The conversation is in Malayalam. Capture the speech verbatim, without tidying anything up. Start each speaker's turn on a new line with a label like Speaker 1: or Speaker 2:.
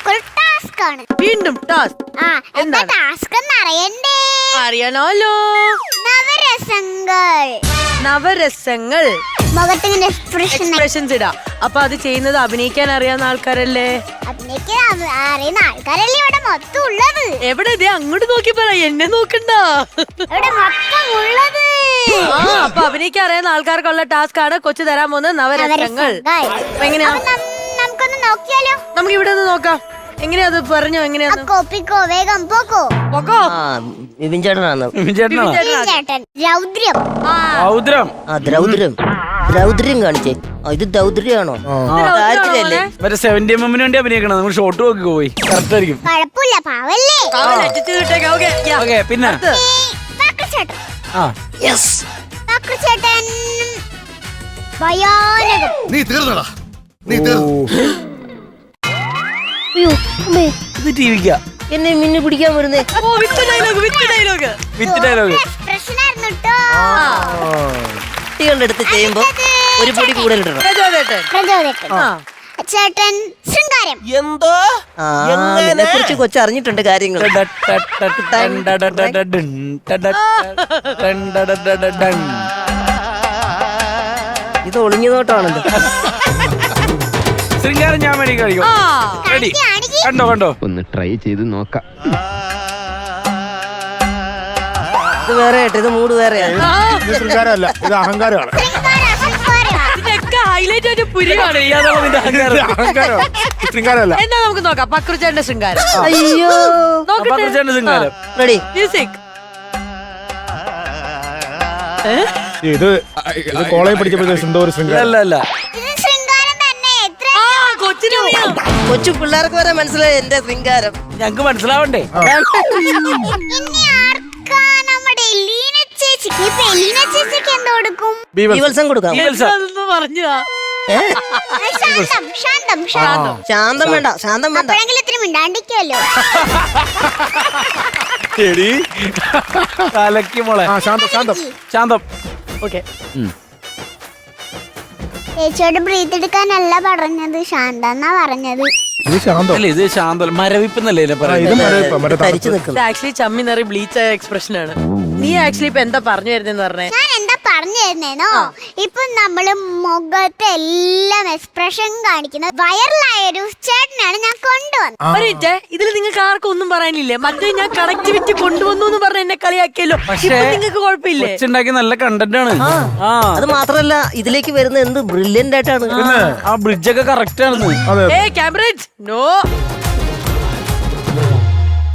Speaker 1: നമുക്കൊരു ടാസ്ക് ആണ്.
Speaker 2: വീണ്ടും ടാസ്ക്.
Speaker 1: ആ, എന്താ ടാസ്ക് എന്ന് അറിയണ്ടേ?
Speaker 2: അറിയണല്ലോ.
Speaker 1: നവരസങ്ങൾ.
Speaker 2: നവരസങ്ങൾ.
Speaker 1: മുഖത്തിന് എക്സ്പ്രഷൻ
Speaker 2: എക്സ്പ്രഷൻസ് ഇടാം. അപ്പൊ അത് ചെയ്യുന്നത് അഭിനയിക്കാൻ അറിയാവുന്ന ആൾക്കാരല്ലേ?
Speaker 1: അഭിനയിക്കാൻ അറിയുന്ന ആൾക്കാരല്ലേ ഇവിടെ മൊത്തം ഉള്ളത്?
Speaker 2: എവിടെ? ഇതേ അങ്ങോട്ട് നോക്കി പറ, എന്നെ നോക്കണ്ട.
Speaker 1: ഇവിടെ മൊത്തം ഉള്ളത്.
Speaker 2: ആ, അപ്പൊ അഭിനയിക്കാൻ അറിയാവുന്ന ആൾക്കാർക്കുള്ള ടാസ്ക് ആണ് കൊച്ചു തരാൻ പോകുന്നത് നവരസങ്ങൾ. അപ്പൊ എങ്ങനെയാ?
Speaker 1: നമുക്കൊന്ന് നോക്കിയാലോ?
Speaker 2: നമുക്ക് ഇവിടെ ഒന്ന് നോക്കാം. എങ്ങനെയാ അത് പറഞ്ഞോ? എങ്ങനെയാന്ന്?
Speaker 1: കോപ്പിക്കോ, വേഗം പോക്കോ.
Speaker 2: പോക്കോ.
Speaker 3: വിപിൻ ചേട്ടനാണ്.
Speaker 1: ചേട്ടൻ രൗദ്രം.
Speaker 4: രൗദ്രം.
Speaker 3: ആ ദ്രൗദ്രം. ദ്രൗദ്രം കാണിച്ചേ. ഇത് ദൗദ്രിയാണോ? ദാരിദ്ര്യല്ലേ?
Speaker 4: മറ്റേ സെവന്റി എമ്മിന് വേണ്ടി അഭിനയിക്കണം. നമ്മൾ ഷോട്ട് നോക്കി പോയി കറക്റ്റ് ആയിരിക്കും.
Speaker 1: കുഴപ്പമില്ല, പാവല്ലേ.
Speaker 4: ഓക്കെ, പിന്നെ
Speaker 1: ചേട്ടൻ.
Speaker 4: ആ
Speaker 3: യെസ്.
Speaker 1: ചേട്ടൻ ഭയാനകം.
Speaker 5: നീ തീർന്നടാ, നീ തീർന്നു.
Speaker 4: ഇത് ടി വിക്കാ
Speaker 3: എന്നെ മിന്നു പിടിക്കാൻ വരുന്നേ.
Speaker 2: ഓ, with dialogue, with dialogue,
Speaker 4: with dialogue.
Speaker 1: Expression ആയിരുന്നു ട്ടോ.
Speaker 3: കുട്ടികളുടെ അടുത്ത് ചെയ്യുമ്പോ ഒരു പൊടി കൂടുതൽ ഇടണം.
Speaker 2: പ്രചോദേട്ടൻ.
Speaker 1: പ്രചോദനം. ചേട്ടൻ ശൃംഗാരം.
Speaker 3: എന്തോ എന്നെ കുറിച്ച് കൊച്ചറിഞ്ഞിട്ടുണ്ട് കാര്യങ്ങൾ. ഇത് ഒളിഞ്ഞു നോട്ടാണല്ലോ.
Speaker 4: ശൃംഗാരം ഞാൻ വേണ്ടി കഴിക്കും. റെഡി? കണ്ടോ കണ്ടോ?
Speaker 6: ഒന്ന് ട്രൈ ചെയ്ത് നോക്കാം.
Speaker 3: ഇത് വേറെ ആയിട്ട്, ഇത് മൂഡ് വേറെയാണ്.
Speaker 5: ഇത് ശൃംഗാരമല്ല, ഇത് അഹങ്കാരമാണ്.
Speaker 2: ഇതൊക്കെ ഹൈലൈറ്റ് ആയിട്ട് പുരിയാണ്.
Speaker 5: അഹങ്കാരം, ശൃംഗാരമല്ല.
Speaker 2: എന്നാ നമുക്ക് നോക്കാം പക്രുചേട്ടന്റെ ശൃംഗാരം.
Speaker 3: അയ്യോ,
Speaker 4: പക്രുചേട്ടന്റെ ശൃംഗാരം.
Speaker 3: റെഡി?
Speaker 2: മ്യൂസിക്.
Speaker 5: ഇത് ഇത് കോളേജ് പഠിച്ചപ്പോഴത്തെ എന്തോ ഒരു ശൃംഗാരം.
Speaker 4: അല്ല അല്ല,
Speaker 1: ഇത് ശൃംഗാരം തന്നെ. എത്ര
Speaker 2: കൊച്ചിനറിയാം.
Speaker 3: കൊച്ചു പിള്ളേർക്ക് വരെ മനസ്സിലായി എന്റെ ശൃംഗാരം.
Speaker 4: ഞങ്ങക്ക് മനസ്സിലാവണ്ടേ?
Speaker 1: ഇനി ആർക്കാ? നമ്മുടെ ലീന ചേച്ചിക്ക്. ഇപ്പൊ ലീന ചേച്ചിക്ക് എന്ത് കൊടുക്കും?
Speaker 3: ബീവത്സം കൊടുക്കാം.
Speaker 2: അതൊന്ന് പറഞ്ഞു.
Speaker 1: ശാന്തം, ശാന്തം, ശാന്തം.
Speaker 3: ശാന്തം വേണ്ട, ശാന്തം വേണ്ട.
Speaker 1: അപ്പോഴെങ്കിലും ഇത്തിരി മിണ്ടാണ്ടിക്കുമല്ലോ.
Speaker 4: തലക്ക് മോളെ.
Speaker 5: ആ, ശാന്തം, ശാന്തം.
Speaker 4: ശാന്തം.
Speaker 2: ഓക്കെ.
Speaker 1: ചേച്ചിയോട് ബ്രീത്ത് എടുക്കാനല്ല പറഞ്ഞത്, ശാന്ത എന്നാ പറഞ്ഞത്.
Speaker 5: ഇത് ശാന്തം.
Speaker 4: അല്ല, ഇത് ശാന്തം. മരവിപ്പെന്നല്ലേ
Speaker 5: ഇത്
Speaker 4: പറയുന്നത്?
Speaker 5: മരവിപ്പാ, മറ്റേ
Speaker 3: തരിച്ചു
Speaker 5: തണുപ്പ്.
Speaker 3: നിൽക്കും.
Speaker 2: ഇത് ആക്ച്വലി ചമ്മി നിറയെ ബ്ലീച്ച് ആയ എക്സ്പ്രഷൻ ആണ്. നീ ആക്ച്വലി ഇപ്പൊ എന്താ പറഞ്ഞു തരുന്നെന്ന് പറഞ്ഞേ?
Speaker 1: ഞാൻ എന്താ പറഞ്ഞു തരുന്നേനോ, ഇപ്പൊ നമ്മള് മുഖത്ത് എല്ലാം എക്സ്പ്രഷൻ കാണിക്കുന്ന വൈറലായ ഒരു ചേട്ടനാണ് ഞാൻ കൊണ്ടുവന്നത്.
Speaker 2: ഒരു മിനിറ്റ്, ഇതിൽ നിങ്ങൾക്ക് ആർക്കും ഒന്നും പറയാനില്ലേ? മറ്റേ ഞാൻ കണക്ടിവിറ്റി കൊണ്ടുവന്നു എന്ന് പറഞ്ഞ എന്നെ കളിയാക്കിയല്ലോ.
Speaker 4: പക്ഷേ
Speaker 2: നിങ്ങൾക്ക് കുഴപ്പമില്ലേ?
Speaker 4: കൊച്ചുണ്ടാക്കി നല്ല കണ്ടന്റ് ആണ്. ആ,
Speaker 3: അത് മാത്രല്ല ഇതിലേക്ക് വരുന്ന എന്ത് ബ്രില്യന്റ് ആയിട്ടാണ്.
Speaker 4: ആ ബ്രിഡ്ജൊക്കെ കറക്റ്റ് ആണ്.
Speaker 5: അതെ.
Speaker 2: ഏ ക്യാമറ നോ.